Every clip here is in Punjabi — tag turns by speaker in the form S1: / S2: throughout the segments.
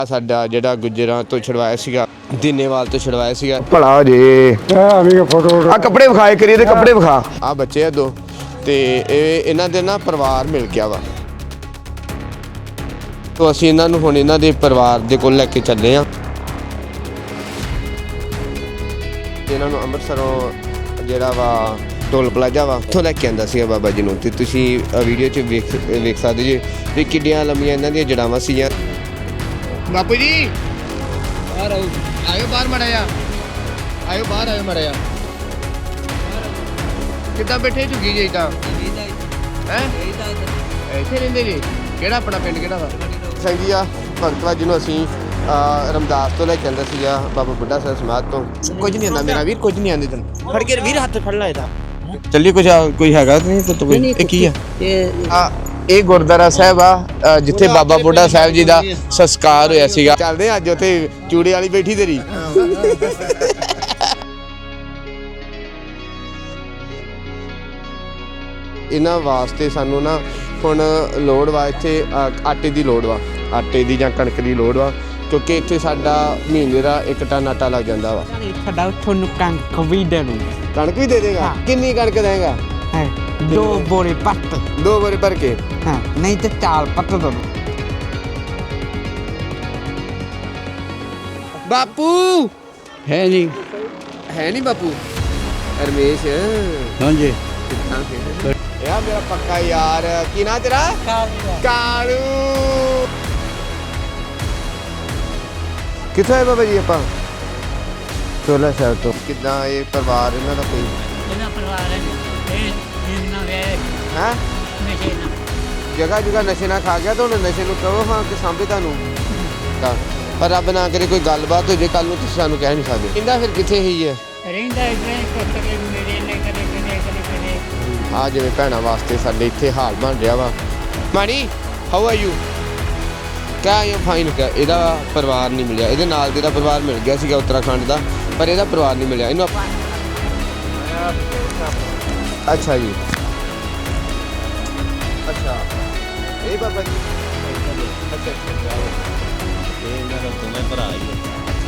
S1: ਸਾਡਾ ਜਿਹੜਾ ਗੁੱਜਰਾਂ ਤੋਂ ਛੁਡਵਾਇਆ ਸੀਗਾ, ਦੀਨੇਵਾਲ ਤੋਂ ਛੁਡਵਾਇਆ ਸੀਗਾ।
S2: ਭਲਾ ਜੇ ਫੋਟੋ ਆ ਕੱਪੜੇ ਵਿਖਾਏ ਕਰੀਏ ਤੇ ਕੱਪੜੇ ਵਿਖਾ।
S1: ਆ ਬੱਚੇ ਆ ਦੋ ਤੇ ਇਹਨਾਂ ਦੇ ਨਾ ਪਰਿਵਾਰ ਮਿਲ ਗਿਆ ਵਾ, ਤੋਂ ਅਸੀਂ ਇਹਨਾਂ ਨੂੰ ਹੁਣ ਇਹਨਾਂ ਦੇ ਪਰਿਵਾਰ ਦੇ ਕੋਲ ਲੈ ਕੇ ਚੱਲੇ ਆ। ਇਹਨਾਂ ਨੂੰ ਅੰਮ੍ਰਿਤਸਰੋਂ ਜਿਹੜਾ ਵਾ ਟੋਲ ਪਲਾਜ਼ਾ ਵਾ ਉੱਥੋਂ ਲੈ ਕੇ ਆਂਦਾ ਸੀਗਾ ਬਾਬਾ ਜੀ ਨੂੰ। ਤੇ ਤੁਸੀਂ ਵੀਡੀਓ 'ਚ ਵੇਖ ਸਕਦੇ ਜੀ ਵੀ ਕਿੱਡੀਆਂ ਲੰਮੀਆਂ ਇਹਨਾਂ ਦੀਆਂ ਜੜਾਵਾਂ ਸੀਗੀਆਂ। ਬਾਪੂ ਜੀ ਬਾਹਰ ਆਇਓ, ਬਾਹਰ ਮੜਿਆ ਆਇਓ, ਬਾਹਰ ਆਇਓ ਮੜਿਆ। ਕਿੱਦਾਂ ਬੈਠੇ ਝੁੱਗੀ ਜੀ ਤਾਂ ਹੈ ਇੱਥੇ ਰਹਿੰਦੇ ਜੀ? ਕਿਹੜਾ ਆਪਣਾ ਪਿੰਡ ਕਿਹੜਾ ਵਾ? ਸੰਗੀ ਆ ਭਗਤਵਾ ਜਿਹਨੂੰ ਅਸੀਂ ਰਮਦਾਸ ਤੋਂ ਲੈ ਕੇ ਆਂਦਾ ਸੀਗਾ, ਬਾਬਾ ਬੁੱਢਾ ਸਾਹਿਬ ਸਮਾਧ ਤੋਂ। ਕੁਝ ਨਹੀਂ ਆਂਦਾ ਮੇਰਾ ਵੀਰ, ਕੁਝ ਨਹੀਂ ਆਂਦੇ ਤੈਨੂੰ। ਫੜ ਕੇ ਵੀਰ ਹੱਥ ਫੜਨਾ ਇਹਦਾ। ਚੱਲੀ ਕੁਝ ਕੋਈ ਹੈਗਾ ਨਹੀਂ ਤਾਂ ਕੋਈ ਇਹ ਕੀ ਆ? ਇਹ ਗੁਰਦੁਆਰਾ ਸਾਹਿਬ ਆ ਜਿੱਥੇ ਬਾਬਾ ਬੁੱਢਾ ਸਾਹਿਬ ਜੀ ਦਾ ਸੰਸਕਾਰ ਹੋਇਆ ਸੀਗਾ। ਚੱਲਦੇ ਅੱਜ ਉੱਥੇ ਚੂੜੇ ਵਾਲੀ ਬੈਠੀ ਤੇਰੀ। ਇਹਨਾਂ ਵਾਸਤੇ ਸਾਨੂੰ ਨਾ ਹੁਣ ਲੋੜ ਵਾ, ਇੱਥੇ ਆਟੇ ਦੀ ਲੋੜ ਵਾ, ਆਟੇ ਦੀ ਜਾਂ ਕਣਕ ਦੀ ਲੋੜ ਵਾ, ਕਿਉਂਕਿ ਇੱਥੇ ਸਾਡਾ ਮਹੀਨੇ ਦਾ 1 ਟਨ ਆਟਾ ਲੱਗ ਜਾਂਦਾ ਵਾ।
S3: ਸਾਡਾ ਤੁਹਾਨੂੰ ਕਣਕ ਵੀ ਦੇ ਦੂੰ।
S1: ਕਣਕ ਵੀ ਦੇ ਦੇਗਾ? ਕਿੰਨੀ ਕਣਕ ਦੇਗਾ?
S3: 2 ਬੋਰੇ ਪੱਤ।
S1: 2 ਬੋਰੇ ਭਰ ਕੇ?
S3: ਹਾਂ, ਨਹੀਂ ਤੇ 4 ਪੱਤ ਦੋ।
S1: ਬਾਪੂ
S3: ਹੈ ਨਹੀਂ?
S1: ਹੈ ਨਹੀਂ ਬਾਪੂ? ਰਮੇਸ਼
S3: ਹਾਂਜੀ।
S1: ਯਾ ਮੇਰਾ ਪੱਕਾ ਯਾਰ। ਕੀ ਨਾਂ ਤੇਰਾ? ਕਾਲੂ। ਕਿੱਥੋਂ ਆਏ ਬਾਬਾ ਜੀ ਆਪਾਂ? ਚੋਲਾ ਸ਼ਹਿਰ ਤੋਂ। ਕਿੱਦਾਂ ਇਹ ਪਰਿਵਾਰ ਇਹਨਾਂ ਦਾ ਕੋਈ?
S4: ਇਹਨਾਂ ਪਰਿਵਾਰ ਇਹਨਾਂ ਵੇ
S1: ਹੈ
S4: ਨਸ਼ੇ ਨਾ
S1: ਜਗ੍ਹਾ ਨਸ਼ੇ ਨਾਲ ਖਾ ਗਿਆ ਤਾਂ ਹੁਣ ਨਸ਼ੇ ਨੂੰ ਕਹੋ ਹਾਂ ਕਿ ਸਾਂਭੇ ਤੁਹਾਨੂੰ ਤਾਂ। ਪਰ ਰੱਬ ਨਾ ਕਰੇ ਕੋਈ ਗੱਲਬਾਤ ਹੋ ਜੇ ਕੱਲ ਨੂੰ, ਤੁਸੀਂ ਸਾਨੂੰ ਕਹਿ ਨਹੀਂ ਸਕਦੇ। ਕਹਿੰਦਾ ਫਿਰ ਕਿੱਥੇ ਹੀ ਹੈ?
S4: ਰਹਿੰਦਾ ਇਦਾਂ ਕਦੇ ਮੇਰੇ ਨੇ ਕਦੇ
S1: ਆ ਜਿਵੇਂ ਭੈਣਾਂ ਵਾਸਤੇ ਸਾਡੇ ਇੱਥੇ ਹਾਲ ਬਣ ਰਿਹਾ ਵਾ। Mani how are you? ਕਿਆ ਇਹ ਫਾਈਨ ਕਿਆ? ਇਹਦਾ ਪਰਿਵਾਰ ਨਹੀਂ ਮਿਲਿਆ, ਇਹਦੇ ਨਾਲ ਦੇ ਦਾ ਪਰਿਵਾਰ ਮਿਲ ਗਿਆ ਸੀਗਾ ਉੱਤਰਾਖੰਡ ਦਾ, ਪਰ ਇਹਦਾ ਪਰਿਵਾਰ ਨਹੀਂ ਮਿਲਿਆ ਇਹਨੂੰ। ਅੱਛਾ ਜੀ, ਅੱਛਾ ਇਹ ਬਾਬਾ ਜੀ ਅੱਛਾ
S5: ਇਹ ਇਹਨਾਂ ਦਾ ਦੋਵੇਂ ਭਰਾ ਹੀ ਆ।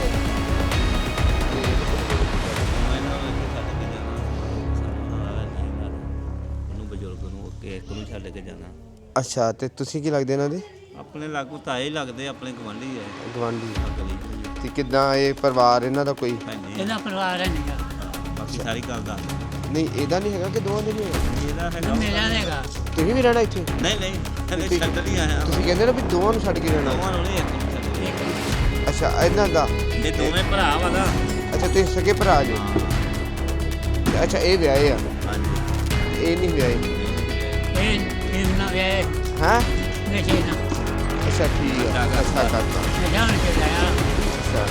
S5: ਉਹਨੂੰ ਬਜ਼ੁਰਗ ਨੂੰ ਇੱਕ ਨੂੰ ਛੱਡ ਕੇ ਜਾਣਾ।
S1: ਅੱਛਾ, ਤੇ ਤੁਸੀਂ ਕੀ ਲੱਗਦੇ ਇਹਨਾਂ ਦੇ?
S5: ਆਪਣੇ ਲਾਗੂ ਤਾਏ ਲੱਗਦੇ, ਆਪਣੇ ਗਵਾਂਢੀ ਹੈ।
S1: ਗਵਾਂਢੀ। ਤੇ ਕਿੱਦਾਂ ਇਹ ਪਰਿਵਾਰ ਇਹਨਾਂ ਦਾ ਕੋਈ?
S4: ਇਹਦਾ ਪਰਿਵਾਰ ਹੈ ਨਹੀਂਗਾ।
S5: ਬਾਕੀ ਸਾਰੀ ਗੱਲ ਦਾ
S1: ਨਹੀਂ ਇਹਦਾ ਨਹੀਂ ਹੈਗਾ ਕਿ ਦੋਵਾਂ ਦੇ ਨਹੀਂ ਹੈਗਾ?
S5: ਇਹਦਾ ਹੈਗਾ।
S4: ਮੇਰਾ ਹੈਗਾ।
S1: ਤੁਸੀਂ ਵੀ ਰਹਿਣਾ ਇੱਥੇ?
S5: ਨਹੀਂ ਥੱਲੇ ਛੱਡ ਨਹੀਂ ਆਇਆ।
S1: ਤੁਸੀਂ ਕਹਿੰਦੇ ਨਾ ਵੀ ਦੋਵਾਂ ਨੂੰ ਛੱਡ ਕੇ ਰਹਿਣਾ?
S5: ਦੋਵਾਂ ਨੂੰ ਨਹੀਂ, ਇੱਕ ਨੂੰ ਛੱਡ ਕੇ।
S1: ਅੱਛਾ ਇਹਨਾਂ ਦਾ?
S5: ਇਹ ਦੋਵੇਂ ਭਰਾ ਵਾ ਨਾ।
S1: ਅੱਛਾ ਤੁਸੀਂ ਸਕੇ ਭਰਾ ਜੀ? ਅੱਛਾ ਇਹ ਵਿਆਹੇ ਆ?
S5: ਹਾਂਜੀ।
S1: ਇਹ ਨਹੀਂ ਵਿਆਹੇ?
S4: ਇਹਨਾਂ ਵੇ
S1: ਹਾਂ
S4: ਨਸ਼ੇ ਨਾ।
S1: ਅੱਛਾ ਠੀਕ ਆ। ਅੱਛਾ ਕਰਤਾ।
S4: ਜਾਣ ਕੇ ਲਾਇਆ।
S1: ਅੱਛਾ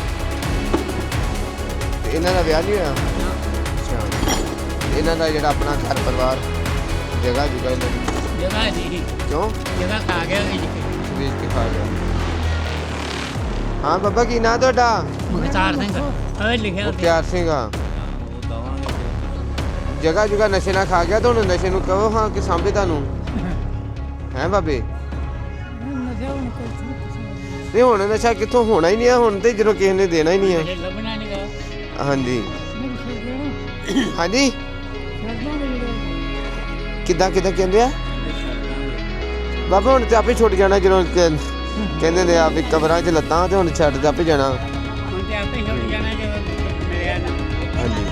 S1: ਤੇ ਇਹਨਾਂ ਦਾ ਵਿਆਹ ਨਹੀਂ ਹੋਇਆ? ਅੱਛਾ ਇਹਨਾਂ ਦਾ ਜਿਹੜਾ ਆਪਣਾ ਘਰ ਪਰਿਵਾਰ ਜਗ੍ਹਾ ਜੁਗਾ ਇਹਨਾਂ ਦੀ
S4: ਜਗ੍ਹਾ ਦੀ
S1: ਕਿਉਂ
S4: ਜਗ੍ਹਾ ਖਾ ਗਿਆ
S1: ਵੇਚ ਕੇ ਖਾ ਗਿਆ? ਹਾਂ ਬਾਬਾ ਕੀ ਨਾਂ ਤੁਹਾਡਾ?
S4: ਮੁਖਤਾਰ ਸਿੰਘ ਉਹ ਲਿਖਿਆ ਸੀ।
S1: ਪਿਆਰ ਸਿੰਘ ਆ।
S5: ਉਹ ਦਵਾਂਗੇ।
S1: ਜਗ੍ਹਾ ਜੁਗਾ ਨਸ਼ੇ ਨਾਲ ਖਾ ਗਿਆ ਤਾਂ ਹੁਣ ਨਸ਼ੇ ਨੂੰ ਕਹੋ ਹਾਂ ਕਿ ਸਾਂਭੇ ਤੁਹਾਨੂੰ। ਹੈ ਬਾਬੇ? ਨਹੀਂ ਹੁਣ ਨਸ਼ਾ ਕਿੱਥੋਂ ਹੋਣਾ ਹੀ ਨਹੀਂ ਆ ਹੁਣ ਤੇ, ਜਦੋਂ ਕਿਸੇ ਨੇ ਦੇਣਾ ਹੀ ਨਹੀਂ ਆ।
S4: ਲੱਭਣਾ ਨਹੀਂਗਾ।
S1: ਹਾਂਜੀ ਹਾਂਜੀ ਕਿੱਦਾਂ ਕਹਿੰਦੇ ਆ ਬਾਬਾ? ਹੁਣ ਤੇ ਆਪੇ ਛੁੱਟ ਜਾਣਾ ਜਦੋਂ ਕਹਿੰਦੇ ਨੇ ਆ ਵੀ ਕਬਰਾਂ 'ਚ ਲੱਤਾਂ ਤੇ ਹੁਣ ਛੱਡ ਤੇ ਆਪੇ ਜਾਣਾ।
S4: ਹੁਣ ਤੇ ਆਪੇ ਛੁੱਟ ਜਾਣਾ ਜਦੋਂ ਮਿਲਿਆ ਨਾ।
S1: ਹਾਂਜੀ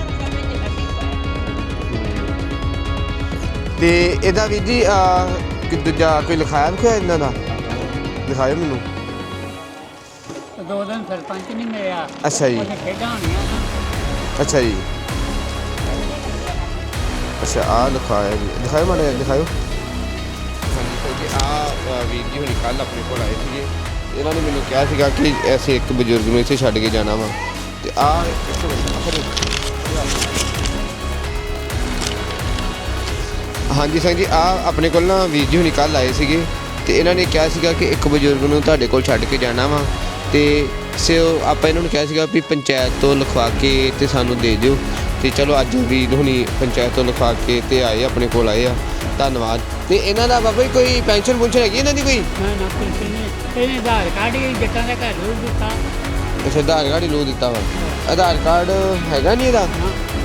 S1: ਤੇ ਇਹਦਾ ਵੀ ਜੀ ਕਿ ਦੂਜਾ ਕੋਈ ਲਿਖਾਇਆ ਇਹਨਾਂ ਦਾ? ਦਿਖਾਇਓ ਮੈਨੂੰ।
S4: 2 ਦਿਨ ਸਰਪੰਚ ਨਹੀਂ ਮਿਲਿਆ।
S1: ਅੱਛਾ ਜੀ।
S4: ਉਹਨੇ ਖੇਡਾਂ ਹੋਣੀਆਂ ਨਾ।
S1: ਅੱਛਾ ਜੀ। ਅੱਛਾ ਆ ਲਿਖਾਇਆ ਜੀ, ਦਿਖਾਇਓ ਮਾੜਾ ਦਿਖਾਇਓ। ਹਾਂਜੀ ਕਿਉਂਕਿ ਆ ਵੀਰ ਜੀ ਹੁਣੀ ਕੱਲ੍ਹ ਆਪਣੇ ਕੋਲ ਆਏ ਸੀਗੇ, ਇਹਨਾਂ ਨੇ ਮੈਨੂੰ ਕਿਹਾ ਸੀਗਾ ਕਿ ਅਸੀਂ ਇੱਕ ਬਜ਼ੁਰਗ ਨੂੰ ਇੱਥੇ ਛੱਡ ਕੇ ਜਾਣਾ ਵਾ। ਤੇ ਆ ਹਾਂਜੀ ਸਿੰਘ ਜੀ ਆ ਆਪਣੇ ਕੋਲ ਨਾ ਵੀਰ ਜੀ ਹੁਣੀ ਕੱਲ੍ਹ ਆਏ ਸੀਗੇ, ਤੇ ਇਹਨਾਂ ਨੇ ਕਿਹਾ ਸੀਗਾ ਕਿ ਇੱਕ ਬਜ਼ੁਰਗ ਨੂੰ ਤੁਹਾਡੇ ਕੋਲ ਛੱਡ ਕੇ ਜਾਣਾ ਵਾ। ਤੇ ਆਪਾਂ ਇਹਨਾਂ ਨੂੰ ਕਿਹਾ ਸੀਗਾ ਵੀ ਪੰਚਾਇਤ ਤੋਂ ਲਿਖਵਾ ਕੇ ਤੇ ਸਾਨੂੰ ਦੇ ਦਿਓ। ਤੇ ਚਲੋ ਅੱਜ ਵੀਰ ਹੁਣੀ ਪੰਚਾਇਤ ਤੋਂ ਲਿਖਵਾ ਕੇ ਤੇ ਆਏ, ਆਪਣੇ ਕੋਲ ਆਏ ਆ। ਧੰਨਵਾਦ। ਤੇ ਇਹਨਾਂ ਦਾ ਬਾਬਾ ਜੀ ਕੋਈ ਪੈਨਸ਼ਨ ਪੁਨਸ਼ਨ ਹੈਗੀ ਇਹਨਾਂ ਦੀ ਕੋਈ?
S4: ਨਾ ਪੈਨਸ਼ਨ ਨਹੀਂ। ਇਹਨੇ ਆਧਾਰ ਕਾਰਡ ਹੀ ਜੱਟਾਂ ਦਾ ਘਰ ਨੂੰ ਦਿੱਤਾ।
S1: ਅੱਛਾ ਆਧਾਰ ਕਾਰਡ ਹੀ ਲੋ ਦਿੱਤਾ ਵਾ। ਆਧਾਰ ਕਾਰਡ ਹੈਗਾ ਨਹੀਂ ਇਹਦਾ?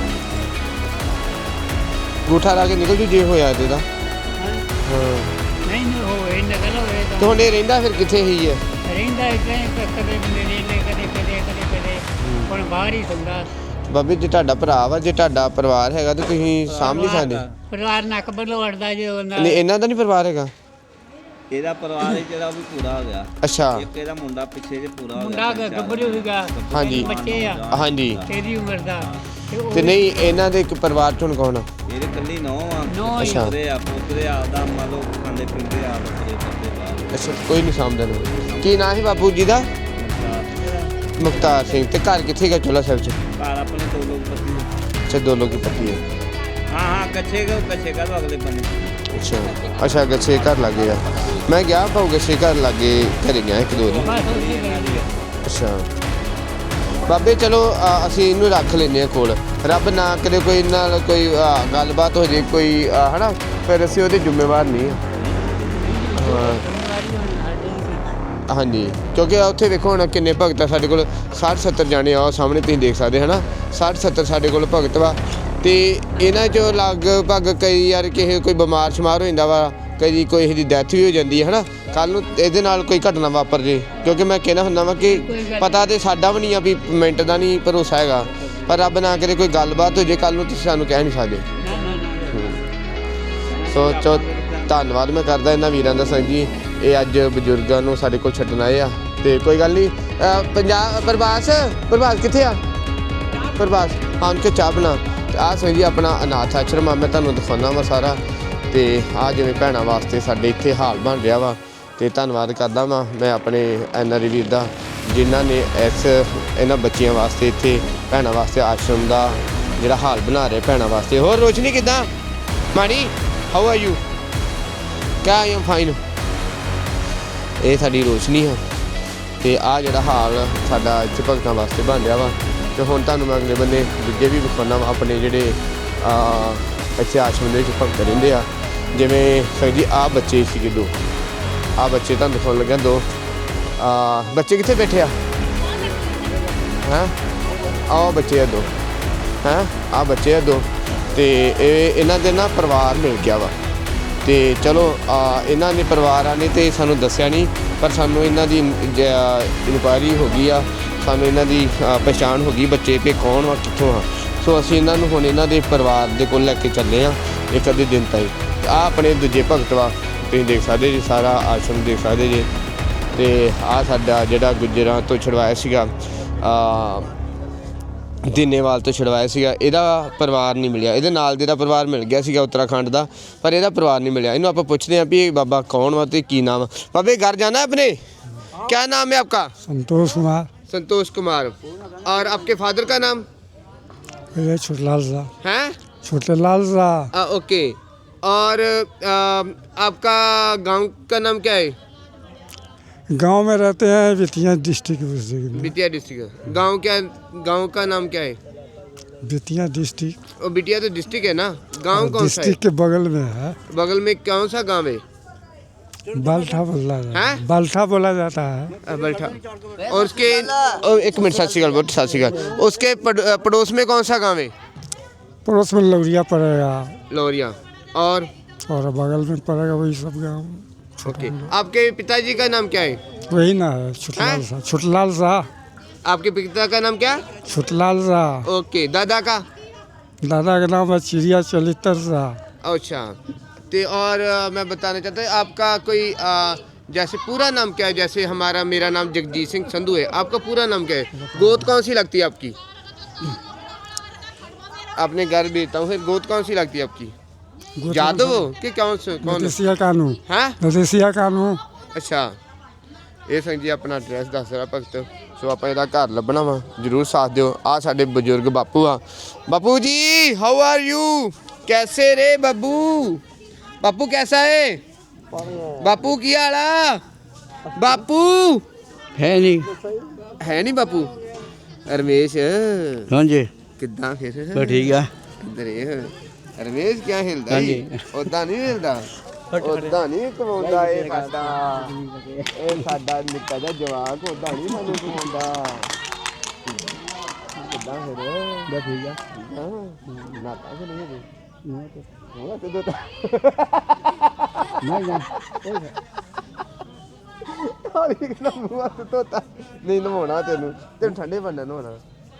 S1: ਅੰਗੂਠਾ ਲਾ ਕੇ ਨਿਕਲ ਜੂ ਜੇ ਹੋਇਆ ਤੇ ਦਾ। ਹਾਂ
S4: ਨਹੀਂ ਹੋਏ ਨਕਲ ਹੋਏ
S1: ਤੇ
S4: ਤਾਂ
S1: ਹੁਣ ਇਹ ਰਹਿੰਦਾ ਫਿਰ ਕਿੱਥੇ ਹੀ ਹੈ?
S4: ਰਹਿੰਦਾ ਇੱਥੇ ਕਦੇ ਨੇੜੇ ਕਦੇ ਹੁਣ ਬਾਹਰ ਹੀ ਸੌਂਦਾ।
S1: ਬਾਬੇ ਜੇ ਤੁਹਾਡਾ ਭਰਾ ਵਾ, ਜੇ ਤੁਹਾਡਾ ਪਰਿਵਾਰ ਹੈਗਾ ਤੇ ਤੁਸੀਂ ਸਾਂਭ ਨਹੀਂ ਸਕਦੇ?
S4: ਪਰਿਵਾਰ ਨੱਕ ਵੱਲੋਂ ਅੜਦਾ ਜੇ ਉਹਨਾਂ
S1: ਨਹੀਂ ਇਹਨਾਂ ਦਾ ਨਹੀਂ ਪਰਿਵਾਰ ਹੈਗਾ?
S5: ਇਹਦਾ ਪਰਿਵਾਰ ਹੈ ਜਿਹੜਾ ਉਹ ਵੀ ਪੂਰਾ ਹੋ ਗਿਆ।
S1: ਅੱਛਾ
S5: ਇੱਕ ਇਹਦਾ ਮੁੰਡਾ ਪਿੱਛੇ ਜੇ ਪੂਰਾ ਹੋ
S4: ਮੁੰਡਾ
S5: ਗਿਆ।
S4: ਗੱਭਰੂ ਸੀਗਾ।
S1: ਹਾਂਜੀ।
S4: ਬੱਚੇ ਆ
S1: ਹਾਂਜੀ
S4: ਤੇਰੀ ਉਮਰ ਦਾ ਉਹ
S1: ਤੇ ਨਹੀਂ ਇਹਨਾਂ ਦੇ ਇੱਕ ਪਰਿਵਾਰ ਚ ਹੁਣ ਕੌਣ ਆ?
S5: ਇਹਦੇ ਕੱਲੀ ਨੌ ਆ।
S4: ਨੌਂ ਹੀ।
S1: ਅੱਛਾ।
S5: ਪੋਤਰੇ ਆ, ਪੋਤਰੇ ਆਪਦਾ ਮੰਨ ਲਓ ਖਾਂਦੇ ਪੀਂਦੇ ਆ ਬੱਕਰੇ ਕਰਦੇ ਬਾਹਰ।
S1: ਅੱਛਾ ਕੋਈ ਨਹੀਂ ਸਾਂਭਦਾ ਨੂੰ। ਕੀ ਨਾਂ ਹੈ ਬਾਪੂ ਜੀ ਦਾ? ਮੁਖਤਾਰ ਸਿੰਘ। ਤੇ ਘਰ ਕਿੱਥੇ ਗਿਆ ਚੋਲਾ ਸਾਹਿਬ ਚ?
S5: ਘਰ ਆਪਣੇ ਦੋ ਲੋਕ ਪਤੀ।
S1: ਅੱਛਾ ਦੋ ਲੋਕੀ ਪੱਤੀ ਹੈ।
S5: ਹਾਂ ਕੱਛੇ ਘਰ ਅਗਲੇ ਬੰਨੇ।
S1: ਅੱਛਾ ਗੱਛੇ ਘਰ ਲੱਗੇ ਆ। ਮੈਂ ਗਿਆ ਭਾਊ ਗੱਛੇ ਘਰ ਲੱਗੇ ਘਰੇ ਗਿਆ ਇੱਕ ਦੋ ਵਾਰੀ।
S4: ਬਸ ਉਹਦੀ ਗੱਲ ਆ।
S1: ਅੱਛਾ ਬਾਬੇ ਚਲੋ ਅਸੀਂ ਇਹਨੂੰ ਰੱਖ ਲੈਂਦੇ ਹਾਂ ਕੋਲ। ਰੱਬ ਨਾ ਕਰੇ ਕੋਈ ਨਾਲ ਕੋਈ ਗੱਲਬਾਤ ਹੋ ਜੇ ਕੋਈ ਹਨਾ, ਫਿਰ ਅਸੀਂ ਉਹਦੇ ਜ਼ਿੰਮੇਵਾਰ ਨਹੀਂ ਹਾਂ। ਹਾਂਜੀ ਕਿਉਂਕਿ ਉੱਥੇ ਵੇਖੋ ਹੁਣ ਕਿੰਨੇ ਭਗਤ ਆ ਸਾਡੇ ਕੋਲ। 60-70 ਜਾਣੇ ਆ ਸਾਹਮਣੇ ਤੁਸੀਂ ਦੇਖ ਸਕਦੇ ਹਨਾ। 60-70 ਸਾਡੇ ਕੋਲ ਭਗਤ ਵਾ ਤੇ ਇਹਨਾਂ 'ਚੋਂ ਲਗਭਗ ਕਈ ਯਾਰ ਕਿਸੇ ਕੋਈ ਬਿਮਾਰ ਸ਼ਮਾਰ ਹੋ ਜਾਂਦਾ ਵਾ, ਕਈ ਕੋਈ ਦੀ ਡੈਥ ਵੀ ਹੋ ਜਾਂਦੀ ਹੈ ਹਨਾ। ਕੱਲ੍ਹ ਨੂੰ ਇਹਦੇ ਨਾਲ ਕੋਈ ਘਟਨਾ ਵਾਪਰ ਜੇ, ਕਿਉਂਕਿ ਮੈਂ ਕਹਿਣਾ ਹੁੰਦਾ ਵਾ ਕਿ ਪਤਾ ਤੇ ਸਾਡਾ ਵੀ ਨਹੀਂ ਆ ਵੀ ਮਿੰਟ ਦਾ ਨਹੀਂ ਭਰੋਸਾ ਹੈਗਾ, ਪਰ ਰੱਬ ਨਾ ਕਰੇ ਕੋਈ ਗੱਲਬਾਤ ਹੋ ਜੇ ਕੱਲ੍ਹ ਨੂੰ ਤੁਸੀਂ ਸਾਨੂੰ ਕਹਿ ਨਹੀਂ ਸਕਦੇ। ਸੋ ਧੰਨਵਾਦ ਮੈਂ ਕਰਦਾ ਇਹਨਾਂ ਵੀਰਾਂ ਦਾ ਸੰਗ ਜੀ, ਇਹ ਅੱਜ ਬਜ਼ੁਰਗਾਂ ਨੂੰ ਸਾਡੇ ਕੋਲ ਛੱਡਣ ਆਏ ਆ। ਤੇ ਕੋਈ ਗੱਲ ਨਹੀਂ ਪੰਜਾਬ ਪ੍ਰਭਾਸ ਕਿੱਥੇ ਆ? ਪ੍ਰਭਾਸ ਹਾਂ ਕਿ ਚਾਹ ਬਣਾ। ਆਹ ਸੰਗ ਜੀ ਆਪਣਾ ਅਨਾਥ ਆਸ਼ਰਮ ਆ, ਮੈਂ ਤੁਹਾਨੂੰ ਦਿਖਾਉਣਾ ਵਾ ਸਾਰਾ। ਤੇ ਆਹ ਜਿਵੇਂ ਭੈਣਾਂ ਵਾਸਤੇ ਸਾਡੇ ਇੱਥੇ ਹਾਲ ਬਣ ਰਿਹਾ ਵਾ, ਤੇ ਧੰਨਵਾਦ ਕਰਦਾ ਵਾਂ ਮੈਂ ਆਪਣੇ NRI ਵੀਰ ਦਾ ਜਿਨ੍ਹਾਂ ਨੇ ਇਹਨਾਂ ਬੱਚਿਆਂ ਵਾਸਤੇ ਇੱਥੇ ਭੈਣਾਂ ਵਾਸਤੇ ਆਸ਼ਰਮ ਦਾ ਜਿਹੜਾ ਹਾਲ ਬਣਾ ਰਹੇ ਭੈਣਾਂ ਵਾਸਤੇ। ਹੋਰ ਰੋਸ਼ਨੀ ਕਿੱਦਾਂ? Mani how are you? ਕਿਆ ਆਈ ਐਮ ਫਾਈਨ। ਇਹ ਸਾਡੀ ਰੋਸ਼ਨੀ ਆ ਤੇ ਆਹ ਜਿਹੜਾ ਹਾਲ ਸਾਡਾ ਇੱਥੇ ਭਗਤਾਂ ਵਾਸਤੇ ਬਣ ਰਿਹਾ ਵਾ। ਤੇ ਹੁਣ ਤੁਹਾਨੂੰ ਮੈਂ ਅਗਲੇ ਬੰਨੇ ਦੂਜੇ ਵੀ ਵਿਖਾਉਣਾ ਵਾ ਆਪਣੇ ਜਿਹੜੇ ਇੱਥੇ ਆਸ਼ਰਮ ਦੇ ਵਿੱਚ ਭਗਤ ਰਹਿੰਦੇ ਆ। ਜਿਵੇਂ ਸਰ ਜੀ ਆਹ ਬੱਚੇ ਸੀਗੇ ਦੋ, ਆਹ ਬੱਚੇ ਤੁਹਾਨੂੰ ਦਿਖਾਉਣ ਲੱਗਿਆ ਦੋ। ਬੱਚੇ ਕਿੱਥੇ ਬੈਠੇ ਆ? ਹੈਂ ਆਹ ਬੱਚੇ ਆ ਦੋ। ਹੈਂ ਆਹ ਬੱਚੇ ਆ ਦੋ। ਤੇ ਇਹਨਾਂ ਦੇ ਨਾ ਪਰਿਵਾਰ ਮਿਲ ਗਿਆ ਵਾ। ਤੇ ਚਲੋ ਇਹਨਾਂ ਦੇ ਪਰਿਵਾਰਾਂ ਨੇ ਤੇ ਸਾਨੂੰ ਦੱਸਿਆ ਨਹੀਂ, ਪਰ ਸਾਨੂੰ ਇਹਨਾਂ ਦੀ ਇਨਕੁਆਇਰੀ ਹੋ ਗਈ ਆ, ਸਾਨੂੰ ਇਹਨਾਂ ਦੀ ਪਛਾਣ ਹੋ ਗਈ ਬੱਚੇ ਵੀ ਕੌਣ ਵਾ ਕਿੱਥੋਂ ਆ। ਸੋ ਅਸੀਂ ਇਹਨਾਂ ਨੂੰ ਹੁਣ ਇਹਨਾਂ ਦੇ ਪਰਿਵਾਰ ਦੇ ਕੋਲ ਲੈ ਕੇ ਚੱਲੇ ਹਾਂ ਇੱਕ ਅੱਧੇ ਦਿਨ ਤਾਈਂ। ਆਹ ਆਪਣੇ ਦੂਜੇ ਭਗਤ ਵਾ, ਤੁਸੀਂ ਦੇਖ ਸਕਦੇ ਜੀ ਸਾਰਾ ਆਸ਼ਰਮ ਦੇਖ ਸਕਦੇ ਜੀ। ਤੇ ਆਹ ਸਾਡਾ ਜਿਹੜਾ ਗੁੱਜਰਾਂ ਤੋਂ ਛੁਡਵਾਇਆ ਸੀਗਾ, ਦੀਨੇਵਾਲ ਤੋਂ ਛੁਡਵਾਇਆ ਸੀਗਾ, ਇਹਦਾ ਪਰਿਵਾਰ ਨਹੀਂ ਮਿਲਿਆ। ਇਹਦੇ ਨਾਲ ਦੇ ਦਾ ਪਰਿਵਾਰ ਮਿਲ ਗਿਆ ਸੀਗਾ ਉੱਤਰਾਖੰਡ ਦਾ, ਪਰ ਇਹਦਾ ਪਰਿਵਾਰ ਨਹੀਂ ਮਿਲਿਆ। ਇਹਨੂੰ ਆਪਾਂ ਪੁੱਛਦੇ ਹਾਂ ਵੀ ਇਹ ਬਾਬਾ ਕੌਣ ਵਾ ਤੇ ਕੀ ਨਾਮ। ਬਾਬੇ घर जाना है अपने? क्या नाम है आपका?
S2: संतोष कुमार।
S1: संतोष कुमार। और आपके फादर का नाम?
S2: छोटेलाल शाह।
S1: हैं?
S2: छोटेलाल शाह।
S1: ओके। और आपका गांव का नाम क्या है?
S2: गांव में रहते हैं बेतिया डिस्ट्रिक्ट में।
S1: बिटिया डिस्ट्रिक्ट। गांव का नाम क्या है?
S2: बेतिया डिस्ट्रिक्ट।
S1: और बिटिया तो डिस्ट्रिक्ट है ना, गांव कौन सा है?
S2: डिस्ट्रिक्ट के बगल में है।
S1: बगल में कौन सा गांव है?
S2: बाल्ठा बोला जाता
S1: हैं?
S2: है। बाल्ठा बोला जाता है।
S1: बल्ठा। और उसके एक मिनट सत श्री अकाल, सत श्री अकाल। उसके पड़ोस में कौन सा गांव है?
S2: पड़ोस में लौरिया पड़ेगा
S1: लोरिया। और
S2: बगल में पड़ेगा वही सब गाँव।
S1: ओके। आपके पिताजी का नाम क्या है?
S2: वही ना है छोटेलाल शाह। छोटेलाल शाह।
S1: आपके पिता का नाम क्या?
S2: छोटेलाल शाह।
S1: ओके। दादा का?
S2: दादा का नाम है चिड़िया चलितर शाह।
S1: अच्छा। तो और मैं बताना चाहता हूँ आपका कोई जैसे पूरा नाम क्या है? जैसे मेरा नाम जगजीत सिंह संधू है, आपका पूरा नाम क्या है? गोद कौन सी लगती है आपकी? अपने घर भेजता हूँ, फिर गोद कौन सी लगती है आपकी? यादव कि कौन?
S2: नदेसिया कानू।
S1: हैं?
S2: नदेसिया कानू।
S1: ਅੱਛਾ ਇਹ ਸਿੰਘ ਜੀ ਆਪਣਾ ਐਡਰੈਸ ਦੱਸ ਰਿਹਾ ਭਗਤ। ਸੋ ਆਪਾਂ ਇਹਦਾ ਘਰ ਲੱਭਣਾ ਵਾ, ਜ਼ਰੂਰ ਸਾਥ ਦਿਓ। ਆ ਸਾਡੇ ਬਜ਼ੁਰਗ ਬਾਪੂ ਆ। ਬਾਪੂ ਜੀ ਹਾਊ ਆਰ ਯੂ? ਕੈਸੇ ਰੇ ਬਾਬੂ? ਬਾਪੂ कैसा है? बापू की हाल आ? बापू
S3: है नहीं।
S1: है नहीं बापू? रमेश
S3: हाँ जी
S1: किदा फिर?
S3: तो ठीक है।
S1: किधर है रमेश? क्या हिलदा
S3: हाँ जी।
S1: उदा नहीं हिलदा। ਉਦਾਂ ਨਹੀਂ ਕਮਾਉਂਦਾ ਇਹ ਸਾਡਾ ਨਿੱਕਾ ਜਿਹਾ ਜਵਾਕ ਉਦਾਂ ਨਹੀਂ ਸਾਨੂੰ ਕਮਾਉਂਦਾ ਕਿੱਦਾਂ ਫਿਰ ਬਸ ਠੀਕ ਆ ਨਾਤਾ ਕਿ ਨਹੀਂ ਹੈ ਉਹ ਤੇ ਦੋ ਨਹੀਂ ਜਾ ਹਾਲੀ ਕਿੰਨਾ ਮੂੰਹ ਤੇ ਤੋਤਾ ਨਹੀਂ ਨਹਾਉਣਾ ਤੈਨੂੰ ਠੰਡੇ ਬੰਦੇ ਨਹਾਉਣਾ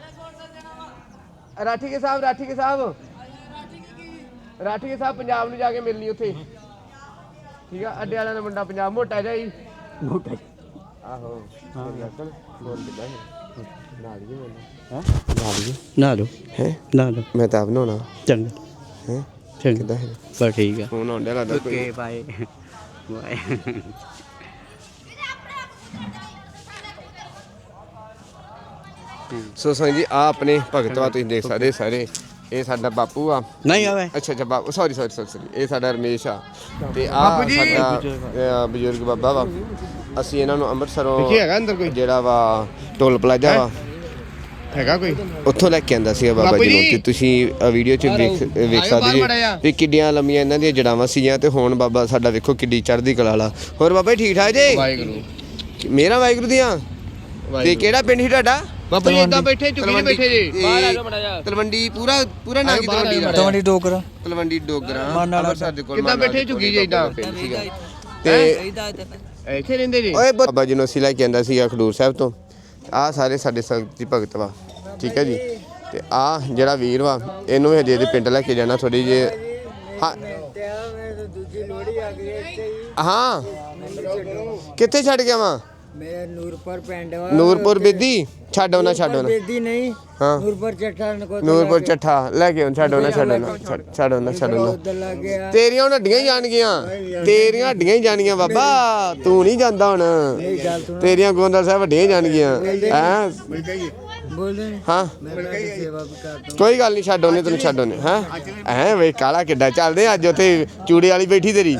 S1: ਰਾਠੀ ਕੇ ਸਾਹਿਬ ਪੰਜਾਬ ਨੂੰ ਜਾ ਕੇ ਮਿਲਣੀ ਉੱਥੇ ਠੀਕ ਆ ਅੱਡੇ ਵਾਲਿਆਂ ਦਾ ਮੁੰਡਾ ਪੰਜਾਬ ਮੋਟਾ ਜਿਹਾ ਹੀ ਆਹੋ ਬੋਲ ਕਿੱਦਾਂ ਨਾਲ ਹੀ ਮੈਨੂੰ
S3: ਨਾ ਲਓ
S1: ਹੈ
S3: ਨਾ ਲਓ
S1: ਮੈਂ ਤਾਂ ਆਪ ਨਹਾਉਣਾ
S3: ਚੰਗਾ
S1: ਹੈ
S3: ਚੰਗਾ
S1: ਕਿੱਦਾਂ ਹੈ
S3: ਬਸ ਠੀਕ ਆ
S1: ਫੋਨ ਆਉਂਦਾ ਲੱਗਦਾ ਕੋਈ
S3: ਓਕੇ ਬਾਏ ਬਾਏ
S1: ਸੋ ਸੰਗ ਜੀ ਆ ਆਪਣੇ ਭਗਤ ਵਾ ਤੁਸੀਂ ਦੇਖ ਸਕਦੇ ਸਾਰੇ ਇਹ ਸਾਡਾ ਬਾਪੂ ਆ
S3: ਨਹੀਂ ਆਵੇ
S1: ਅੱਛਾ ਬਾਪੂ ਸੌਰੀ ਇਹ ਸਾਡਾ ਰਮੇਸ਼ ਆ ਤੇ ਆ ਸਾਡਾ ਬਜ਼ੁਰਗ ਬਾਬਾ ਵਾ ਅਸੀਂ ਇਹਨਾਂ ਨੂੰ ਅੰਮ੍ਰਿਤਸਰੋਂ ਹੈਗਾ ਅੰਦਰ ਕੋਈ ਜਿਹੜਾ ਵਾ ਟੋਲ ਪਲਾਜ਼ਾ ਵਾ ਹੈਗਾ ਕੋਈ ਉੱਥੋਂ ਲੈ ਕੇ ਆਂਦਾ ਸੀ ਬਾਬਾ ਜੀ ਨੂੰ ਤੇ ਤੁਸੀਂ ਵੀਡੀਓ 'ਚ ਵੇਖ ਸਕਦੇ ਜੀ ਵੀ ਕਿੱਡੀਆਂ ਲੰਮੀਆਂ ਇਹਨਾਂ ਦੀਆਂ ਜੜਾਵਾਂ ਸੀਗੀਆਂ ਤੇ ਹੁਣ ਬਾਬਾ ਸਾਡਾ ਵੇਖੋ ਕਿੱਡੀ ਚੜ੍ਹਦੀ ਕਲਾ ਵਾਲਾ ਹੋਰ ਬਾਬਾ ਜੀ ਠੀਕ ਠਾਕ ਜੀ ਵਾਹਿਗੁਰੂ ਮੇਰਾ ਵਾਹਿਗੁਰੂ ਦੀਆਂ ਤੇ ਕਿਹੜਾ ਪਿੰਡ ਸੀ ਤੁਹਾਡਾ ਬਾਬਾ ਜੀ ਇਦਾਂ ਬੈਠੇ ਝੁਕੀ ਬੈਠੇ ਜੀ ਬਾਹਰ ਆ ਜਾਓ ਮੜਾ ਜਾ ਤਲਵੰਡੀ ਪੂਰਾ ਨਾਂ ਕੀ ਤਲਵੰਡੀ ਡੋਗਰਾ ਅੰਮ੍ਰਿਤਸਰ ਦੇ ਕੋਲ ਕਿੱਦਾਂ ਬੈਠੇ ਝੁਕੀ ਜੀ ਇਦਾਂ ਤੇ ਇੱਥੇ ਰਹਿੰਦੇ ਜੀ ਓਏ ਬਾਬਾ ਜੀ ਨੂੰ ਅਸੀਂ ਲੈ ਕੇ ਆਂਦਾ ਸੀ ਖਡੂਰ ਸਾਹਿਬ ਤੋਂ ਆ ਸਾਰੇ ਸਾਡੇ ਸੰਗਤ ਜੀ ਭਗਤ ਵਾ ਠੀਕ ਹੈ ਜੀ ਤੇ ਆ ਜਿਹੜਾ ਵੀਰ ਵਾ ਇਹਨੂੰ ਹਜੇ ਇਹਦੇ ਪਿੰਡ ਲੈ ਕੇ ਜਾਣਾ ਥੋੜੀ ਜੇ ਹਾਂ ਕਿੱਥੇ ਛੱਡ ਗਿਆ ਵਾ
S6: ਮੇਰਾ ਨੂਰਪੁਰ ਪਿੰਡ ਵਾ
S1: ਨੂਰਪੁਰ ਬੇਦੀ ਛੱਡੋ ਨਾ
S6: ਬੇਦੀ ਨਹੀਂ
S1: ਹਾਂ ਨੂਰਪੁਰ ਚੱਠਾ ਲੈ ਕੇ ਛੱਡੋ ਨਾ
S6: ਉਧਰ ਲੱਗ ਗਿਆ
S1: ਤੇਰੀਆਂ ਹੁਣ ਹੱਡੀਆਂ ਹੀ ਜਾਣਗੀਆਂ ਬਾਬਾ ਤੂੰ ਨਹੀਂ ਜਾਂਦਾ ਹੁਣ ਤੇਰੀਆਂ ਗੋਂਦਲ ਸਾਹਿਬ ਵੱਡੀਆਂ ਹੀ ਜਾਣਗੀਆਂ ਹੈਂ
S6: ਬੋਲਦੇ
S1: ਹਾਂ
S6: ਸੇਵਾ ਵੀ ਕਰਦਾ
S1: ਕੋਈ ਗੱਲ ਨਹੀਂ ਛੱਡੋ ਤੈਨੂੰ ਛੱਡੋ ਨੇ ਹੈਂ ਐ ਵੇ ਕਾਲਾ ਕਿੱਡਾ ਚੱਲਦੇ ਅੱਜ ਉੱਥੇ ਚੂੜੇ ਵਾਲੀ ਬੈਠੀ ਤੇਰੀ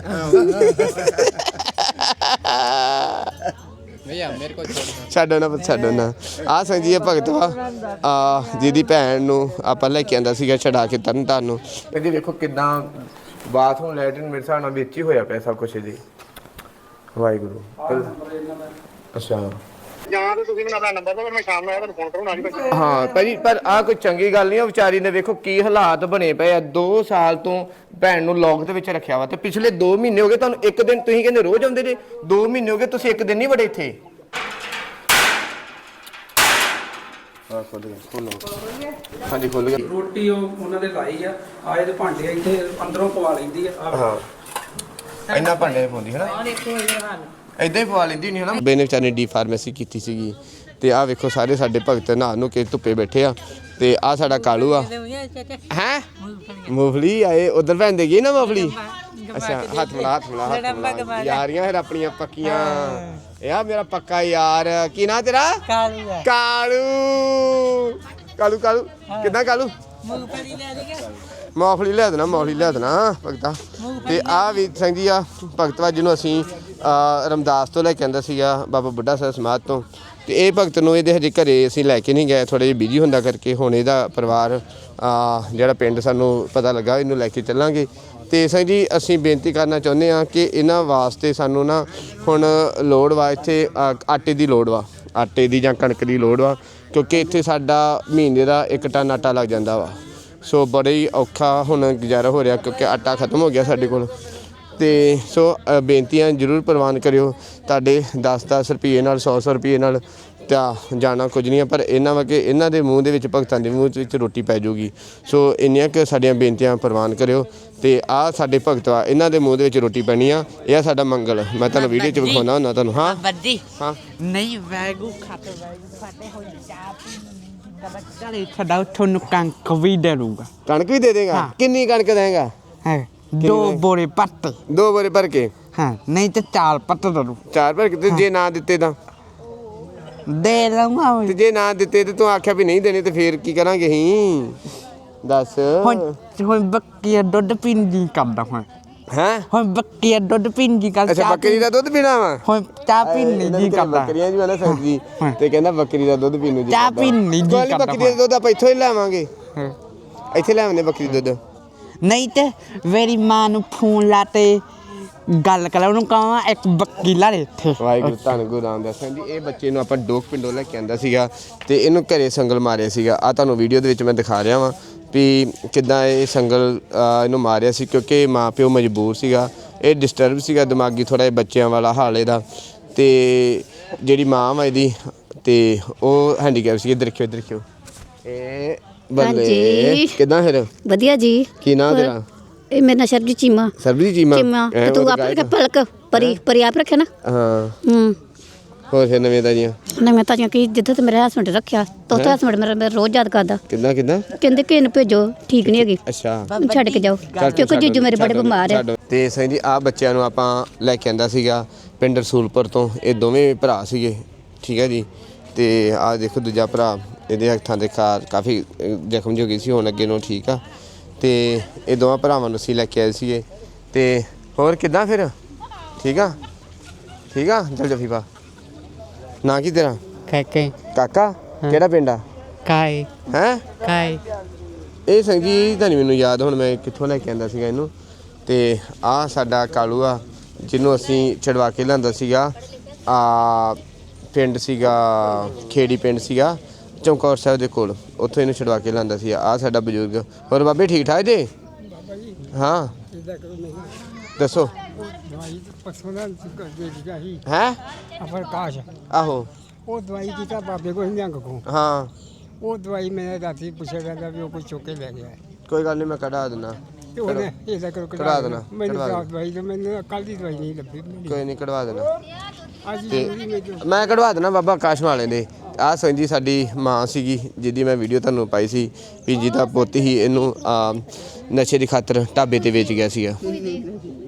S1: ਛੱਡੋ ਨਾ ਆ ਸੰਜੀ ਇਹ ਭਗਤ ਵਾ ਜਿਹਦੀ ਭੈਣ ਨੂੰ ਆਪਾਂ ਲੈ ਕੇ ਆਂਦਾ ਸੀਗਾ ਛਡਾ ਕੇ ਤਰਨਤਾਰਨ ਨੂੰ ਜੀ ਵੇਖੋ ਕਿਦਾਂ ਬਾਥਰੂਮ ਲੈਟਰਿਨ ਮੇਰੇ ਹਿਸਾਬ ਨਾਲ ਵਿੱਚ ਹੀ ਹੋਇਆ ਪਿਆ ਸਭ ਕੁਝ ਜੀ ਵਾਹਿਗੁਰੂ ਅੱਛਾ
S7: ਜਾਂ ਤਾਂ ਤੁਸੀਂ ਮੈਨੂੰ ਆਪਣਾ ਨੰਬਰ ਦਿਓ ਮੈਂ ਸ਼ਾਮ ਨੂੰ ਆਇਆ ਤੁਹਾਨੂੰ ਫੋਨ ਕਰੂੰ ਨਾਲ ਹੀ
S1: ਹਾਂ ਭਾਜੀ ਪਰ ਆ ਕੋਈ ਚੰਗੀ ਗੱਲ ਨਹੀਂ ਆ ਵਿਚਾਰੀ ਨੇ ਵੇਖੋ ਕੀ ਹਾਲਾਤ ਬਣੇ ਪਏ ਆ 2 ਸਾਲ ਤੋਂ ਭੈਣ ਨੂੰ ਲੌਕ ਦੇ ਵਿੱਚ ਰੱਖਿਆ ਵਾ ਤੇ ਪਿਛਲੇ 2 ਮਹੀਨੇ ਹੋ ਗਏ ਤੁਹਾਨੂੰ ਇੱਕ ਦਿਨ ਤੁਸੀਂ ਕਹਿੰਦੇ ਰੋਜ਼ ਆਉਂਦੇ ਜੇ 2 ਮਹੀਨੇ ਹੋ ਗਏ ਤੁਸੀਂ ਇੱਕ ਦਿਨ ਨਹੀਂ ਵੜੇ ਇੱਥੇ ਹਾਂਜੀ ਖੁੱਲ ਗਿਆ
S8: ਰੋਟੀ ਉਹਨਾਂ ਦੇ ਲਾਈ ਆ ਆਏ ਦੇ ਭਾਂਡੇ ਇੱਥੇ ਅੰਦਰੋਂ ਪਵਾ ਲੈਂਦੀ ਆ
S1: ਹਾਂ ਇੰਨਾ ਭਾਂਡੇ ਪਾਉਂਦੀ ਹੈ ਨਾ ਇਦਾਂ ਹੀ ਪਵਾ ਲੈਂਦੀ ਨਹੀਂ ਹੈ ਨਾ ਬੇਨੇ ਵਿਚਾਰੇ ਡੀ ਫਾਰਮੇਸੀ ਕੀਤੀ ਸੀਗੀ ਤੇ ਆਹ ਵੇਖੋ ਸਾਰੇ ਸਾਡੇ ਭਗਤ ਨਹਾ ਨੂੰ ਕੇ ਧੁੱਪੇ ਬੈਠੇ ਆ ਤੇ ਆ ਸਾਡਾ ਕਾਲੂ ਆ ਹੈ ਮੂੰਗਫਲੀ ਆਏ ਉਧਰ ਭੈਂਦੇ ਗਈ ਨਾ ਮੂੰਗਫਲੀ ਅੱਛਾ ਹੱਥ ਮਿਲਾ ਯਾਰੀਆਂ ਫਿਰ ਆਪਣੀਆਂ ਪੱਕੀਆਂ ਇਹ ਆ ਮੇਰਾ ਪੱਕਾ ਯਾਰ ਕੀ ਨਾਂ ਤੇਰਾ ਕਾਲੂ ਕਿੱਦਾਂ ਕਾਲੂ ਮੂੰਗਫਲੀ ਲਿਆ ਦੇਣਾ ਭਗਤਾ ਤੇ ਆ ਵੀ ਸਿੰਘ ਜੀ ਆ ਭਗਤ ਵਾ ਜਿਹਨੂੰ ਅਸੀਂ ਰਮਦਾਸ ਤੋਂ ਲੈ ਕੇ ਆਂਦਾ ਸੀਗਾ ਬਾਬਾ ਬੁੱਢਾ ਸਾਹਿਬ ਸਮਾਧ ਤੋਂ ਤੇ ਇਹ ਭਗਤ ਨੂੰ ਇਹਦੇ ਹਜੇ ਘਰੇ ਅਸੀਂ ਲੈ ਕੇ ਨਹੀਂ ਗਏ ਥੋੜੇ ਜਿਹਾ ਬਿਜੀ ਹੁੰਦਾ ਕਰਕੇ ਹੁਣ ਇਹਦਾ ਪਰਿਵਾਰ ਜਿਹੜਾ ਪਿੰਡ ਸਾਨੂੰ ਪਤਾ ਲੱਗਾ ਇਹਨੂੰ ਲੈ ਕੇ ਚੱਲਾਂਗੇ ਤੇ ਸਿੰਘ ਜੀ ਅਸੀਂ ਬੇਨਤੀ ਕਰਨਾ ਚਾਹੁੰਦੇ ਹਾਂ ਕਿ ਇਹਨਾਂ ਵਾਸਤੇ ਸਾਨੂੰ ਨਾ ਹੁਣ ਲੋੜ ਵਾ ਇੱਥੇ ਆਟੇ ਦੀ ਲੋੜ ਵਾ ਆਟੇ ਦੀ ਜਾਂ ਕਣਕ ਦੀ ਲੋੜ ਵਾ ਕਿਉਂਕਿ ਇੱਥੇ ਸਾਡਾ ਮਹੀਨੇ ਦਾ 1 ਟਨ ਆਟਾ ਲੱਗ ਜਾਂਦਾ ਵਾ ਸੋ ਬੜਾ ਹੀ ਔਖਾ ਹੁਣ ਗੁਜ਼ਾਰਾ ਹੋ ਰਿਹਾ ਕਿਉਂਕਿ ਆਟਾ ਖਤਮ ਹੋ ਗਿਆ ਸਾਡੇ ਕੋਲ ਤੇ ਸੋ ਬੇਨਤੀਆਂ ਜ਼ਰੂਰ ਪ੍ਰਵਾਨ ਕਰਿਓ ਤੁਹਾਡੇ 10-10 ਰੁਪਏ ਨਾਲ 100 ਰੁਪਏ ਨਾਲ ਤਾਂ ਜਾਣਾ ਕੁਝ ਨਹੀਂ ਪਰ ਇਹਨਾਂ ਵਾ ਕਿ ਇਹਨਾਂ ਦੇ ਮੂੰਹ ਦੇ ਵਿੱਚ ਭਗਤਾਂ ਦੇ ਮੂੰਹ ਵਿੱਚ ਰੋਟੀ ਪੈ ਜਾਊਗੀ ਸੋ ਇੰਨੀਆਂ ਕਿ ਸਾਡੀਆਂ ਬੇਨਤੀਆਂ ਪ੍ਰਵਾਨ ਕਰਿਓ ਤੇ ਆਹ ਸਾਡੇ ਭਗਤ ਆ ਇਹਨਾਂ ਦੇ ਮੂੰਹ ਦੇ ਵਿੱਚ ਰੋਟੀ ਪੈਣੀ ਆ ਇਹ ਸਾਡਾ ਮੰਗਲ ਮੈਂ ਤੁਹਾਨੂੰ ਵੀਡੀਓ 'ਚ ਵਿਖਾਉਣਾ ਹੁੰਦਾ ਤੁਹਾਨੂੰ ਹਾਂ ਹਾਂ
S4: ਨਹੀਂ ਵੈਗੂ ਖਾਤੇ ਹੋਈ ਚਲੇ ਛੱਡਾ ਤੁਹਾਨੂੰ ਕਣਕ ਵੀ ਦੇ ਦੂੰਗਾ
S1: ਕਣਕ ਵੀ ਦੇ ਦੇਗਾ ਕਿੰਨੀ ਕਣਕ ਦੇਗਾ
S4: 2 ਬੋਰੇ ਪੱਟ
S1: 2 ਬੋਰੇ ਭਰ ਕੇ
S4: ਹਾਂ ਨਹੀਂ ਤੇ 4 ਪੱਟ ਦੇ ਦੂੰ
S1: 4 ਭਰ ਕੇ ਜੇ ਨਾ ਦਿੱਤੇ ਤਾਂ
S4: ਦੇ ਲਵਾਂ
S1: ਤੇ ਜੇ ਨਾ ਦਿੱਤੇ ਤੇ ਤੂੰ ਆਖਿਆ ਵੀ ਨਹੀਂ ਦੇਣੇ ਤੇ ਫੇਰ ਕੀ ਕਰਾਂਗੇ ਅਸੀਂ ਦੱਸ
S4: ਹੁਣ ਬੱਕੀ ਦੁੱਧ ਪੀਣ ਦੀ ਕਰਦਾ ਹੁਣ ਬੱਕੀ ਦੁੱਧ ਪੀਣ ਦੀ ਕਰਦਾ
S1: ਅੱਛਾ ਬੱਕਰੀ ਦਾ ਦੁੱਧ ਪੀਣਾ ਵਾ
S4: ਹੁਣ ਚਾਹ ਪੀਣ ਨਹੀਂ ਕਰਦਾ
S1: ਬੱਕਰੀਆਂ ਜੀ ਵਾਲਾ ਸੰਗ ਜੀ ਤੇ ਕਹਿੰਦਾ ਬੱਕਰੀ ਦਾ ਦੁੱਧ ਪੀਣ ਨੂੰ ਜੀ
S4: ਚਾਹ ਪੀਣ ਨਹੀਂ ਜੀ ਕਰਦਾ
S1: ਬੱਕਰੀ ਦਾ ਦੁੱਧ ਆਪਾਂ ਇੱਥੋਂ ਹੀ ਲਾਵਾਂਗੇ ਇੱਥੇ ਲੈ ਆਉਂਦੇ ਬੱਕਰੀ ਦੁੱਧ
S4: ਨਹੀਂ ਤੇ ਮੇਰੀ ਮਾਂ ਨੂੰ ਫੋਨ ਲਾਤੇ ਗੱਲ ਕਰ ਉਹਨੂੰ ਕਹਾਂ ਇੱਕ ਵਕੀਲਾ ਦੇ ਇੱਥੇ
S1: ਵਾਹਿਗੁਰੂ ਧੰਨ ਗੁਰੂ ਰਾਮਦਾਸ ਸਿੰਘ ਜੀ। ਇਹ ਬੱਚੇ ਨੂੰ ਆਪਾਂ ਡੋਕ ਪਿੰਡੋਂ ਲੈ ਕੇ ਆਂਦਾ ਸੀਗਾ ਤੇ ਇਹਨੂੰ ਘਰੇ ਸੰਗਲ ਮਾਰਿਆ ਸੀਗਾ। ਆ ਤੁਹਾਨੂੰ ਵੀਡੀਓ ਦੇ ਵਿੱਚ ਮੈਂ ਦਿਖਾ ਰਿਹਾ ਵਾਂ ਵੀ ਕਿੱਦਾਂ ਇਹ ਸੰਗਲ ਇਹਨੂੰ ਮਾਰਿਆ ਸੀ, ਕਿਉਂਕਿ ਮਾਂ ਪਿਓ ਮਜਬੂਰ ਸੀਗਾ। ਇਹ ਡਿਸਟਰਬ ਸੀਗਾ ਦਿਮਾਗੀ ਥੋੜ੍ਹਾ ਜਿਹਾ ਬੱਚਿਆਂ ਵਾਲਾ ਹਾਲ ਇਹਦਾ। ਤੇ ਜਿਹੜੀ ਮਾਂ ਵਾ ਇਹਦੀ ਤੇ ਉਹ ਹੈਂਡੀਕੈਪ ਸੀ। ਇੱਧਰ ਦੇਖਿਓ ਇਹ ਬੱਲੇ ਕਿੱਦਾਂ ਫਿਰ
S9: ਵਧੀਆ ਜੀ।
S1: ਕੀ ਨਾਂ ਤੇਰਾ?
S9: ਇਹ ਮੇਰਾ ਨਾਮ ਸਰਬਜੀਤ ਚੀਮਾ।
S1: ਸਰਬਜੀਤ ਚੀਮਾ।
S9: ਤੇ ਤੂੰ ਆਪ ਰੱਖਿਆ ਪਲਕ ਪਰੀ ਆਪ ਰੱਖਿਆ ਨਾ?
S1: ਹਾਂ। ਹੋਰ ਫਿਰ ਨਵੇਂ ਤਾਜ਼ੀਆਂ?
S9: ਨਵੇਂ ਤਾਜ਼ੀਆਂ ਕੀ ਜਿੱਦਾਂ ਤੇ ਮੇਰਾ ਹਸਬੰਡ ਰੱਖਿਆ ਤਾਂ ਉੱਥੇ ਹਸਬੰਡ ਮੇਰਾ ਰੋਜ਼ ਯਾਦ ਕਰਦਾ।
S1: ਕਿੱਦਾਂ
S9: ਕਹਿੰਦੇ ਕਿ ਇਹਨੂੰ ਭੇਜੋ, ਠੀਕ ਨਹੀਂ ਹੈਗੀ,
S1: ਅੱਛਾ
S9: ਛੱਡ ਕੇ ਜਾਓ ਕਿਉਂਕਿ ਜੀਜੂ ਮੇਰੇ ਬੜੇ ਬਿਮਾਰ ਆ।
S1: ਤੇ ਸਿੰਘ ਜੀ ਆ ਬੱਚਿਆਂ ਨੂੰ ਆਪਾਂ ਲੈ ਕੇ ਆਂਦਾ ਸੀਗਾ ਪਿੰਡ ਰਸੂਲਪੁਰ ਤੋਂ। ਇਹ ਦੋਵੇਂ ਭਰਾ ਸੀਗੇ, ਠੀਕ ਹੈ ਜੀ। ਤੇ ਆ ਦੇਖੋ ਦੂਜਾ ਭਰਾ, ਇਹਦੇ ਹੱਥਾਂ ਦੇ ਕਾਫੀ ਜ਼ਖਮ ਜਿਹੀ ਹੋ ਗਈ ਸੀ, ਹੁਣ ਅੱਗੇ ਨੂੰ ਠੀਕ ਆ। ਤੇ ਇਹ ਦੋਵਾਂ ਭਰਾਵਾਂ ਨੂੰ ਅਸੀਂ ਲੈ ਕੇ ਆਏ ਸੀਗੇ। ਤੇ ਹੋਰ ਕਿੱਦਾਂ ਫਿਰ? ਠੀਕ ਆ ਚੱਲ ਜੱਫੀ ਪਾ। ਨਾਂ ਕੀ ਤੇਰਾ? ਕਾਕਾ। ਕਿਹੜਾ ਪਿੰਡ ਆ?
S4: ਕਾਏ
S1: ਹੈਂ?
S4: ਕਾਏ
S1: ਇਹ ਸਿੰਘ ਜੀ ਤਾਂ ਨਹੀਂ ਮੈਨੂੰ ਯਾਦ ਹੁਣ ਮੈਂ ਕਿੱਥੋਂ ਲੈ ਕੇ ਆਂਦਾ ਸੀਗਾ ਇਹਨੂੰ। ਤੇ ਆ ਸਾਡਾ ਕਾਲੂ ਆ ਜਿਹਨੂੰ ਅਸੀਂ ਛਡਵਾ ਕੇ ਲਿਆਂਦਾ ਸੀਗਾ। ਪਿੰਡ ਸੀਗਾ ਖੇੜੀ ਪਿੰਡ ਸੀਗਾ ਚਮਕੌਰ ਸਾਹਿਬ ਦੇ ਕੋਲ, ਉੱਥੋਂ ਇਹਨੂੰ ਛਡਵਾ ਕੇ ਲਿਆਂਦਾ ਸੀ। ਆ ਸਾਡਾ ਬਜ਼ੁਰਗ। ਹੋਰ ਬਾਬੇ ਠੀਕ ਠਾਕ ਜੇ? ਹਾਂ ਦੱਸੋ। ਹੈ
S8: ਪ੍ਰਕਾਸ਼
S1: ਆਹੋ
S8: ਉਹ ਦਵਾਈ ਦਿੱਤਾ ਬਾਬੇ ਕੋਲ ਨਿਹੰਗ ਕੋ।
S1: ਹਾਂ
S8: ਉਹ ਦਵਾਈ ਮੈਂ ਰਾਤੀ ਪੁੱਛਿਆ ਜਾਂਦਾ ਵੀ ਉਹ ਕੋਈ ਚੁੱਕ ਕੇ ਲੈ ਗਿਆ।
S1: ਕੋਈ ਗੱਲ ਨਹੀਂ, ਮੈਂ ਕਢਾ ਦਿੰਦਾ।
S8: ਤੇ ਉਹਨੇ ਇਹਦਾ ਕਰੋ
S1: ਕਢਾ ਦੇਣਾ,
S8: ਮੈਨੂੰ
S1: ਕਢਵਾ
S8: ਤਾਂ ਦਵਾਈ ਤੇ ਮੈਨੂੰ ਕੱਲ ਦੀ ਦਵਾਈ ਨਹੀਂ ਲੱਭੀ।
S1: ਕੋਈ ਨਹੀਂ ਕਢਵਾ ਦੇਣਾ।
S8: ਅੱਜ
S1: ਤੇ
S8: ਜ਼ਰੂਰੀ ਮੈਨੂੰ
S1: ਮੈਂ ਕਢਵਾ ਦੇਣਾ ਬਾਬਾ ਆਕਾਸ਼ ਵਾਲੇ ਦੇ। ਆਹ ਸੰਜੀ ਸਾਡੀ ਮਾਂ ਸੀਗੀ ਜਿਹਦੀ ਮੈਂ ਵੀਡੀਓ ਤੁਹਾਨੂੰ ਪਾਈ ਸੀ ਵੀ ਜਿਹਦਾ ਪੁੱਤ ਹੀ ਇਹਨੂੰ ਨਸ਼ੇ ਦੀ ਖਾਤਰ ਢਾਬੇ ਤੇ ਵੇਚ ਗਿਆ ਸੀਗਾ।